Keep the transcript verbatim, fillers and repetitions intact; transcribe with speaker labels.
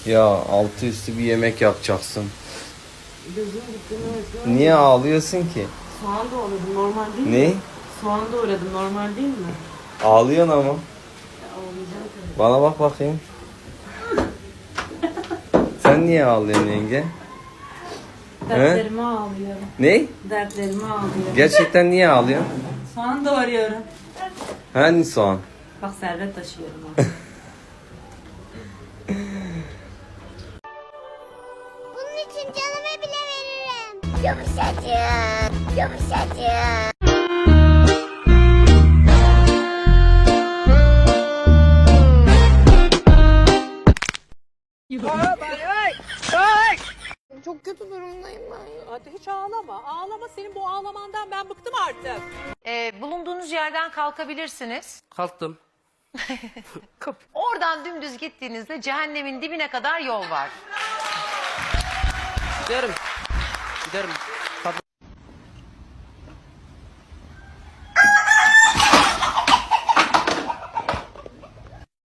Speaker 1: Ya altı üstü bir yemek yapacaksın.
Speaker 2: Gözüm gitti. Evet.
Speaker 1: Niye ağlıyorsun ki?
Speaker 2: Soğan doğradım, normal değil
Speaker 1: Ne?
Speaker 2: mi? Soğan doğradım, normal değil mi?
Speaker 1: Ağlıyorsun ama.
Speaker 2: Ya, ağlayacağım tabii.
Speaker 1: Bana bak bakayım. Sen niye ağlıyorsun yenge?
Speaker 2: Dertlerime ağlıyorum.
Speaker 1: Ne?
Speaker 2: Dertlerime ağlıyorum.
Speaker 1: Gerçekten niye ağlıyorsun?
Speaker 2: Soğan doğruyorum.
Speaker 1: Hani soğan?
Speaker 2: Bak servet taşıyorum ha.
Speaker 3: Bunun için canımı bile veririm. Yumuşacık, yumuşacık. Çok kötü durumdayım ben.
Speaker 4: Hadi hiç ağlama. Ağlama, senin bu ağlamandan ben bıktım artık.
Speaker 5: Ee, bulunduğunuz yerden kalkabilirsiniz.
Speaker 6: Kalktım.
Speaker 5: Oradan dümdüz gittiğinizde cehennemin dibine kadar yol var.
Speaker 6: Giderim. Giderim.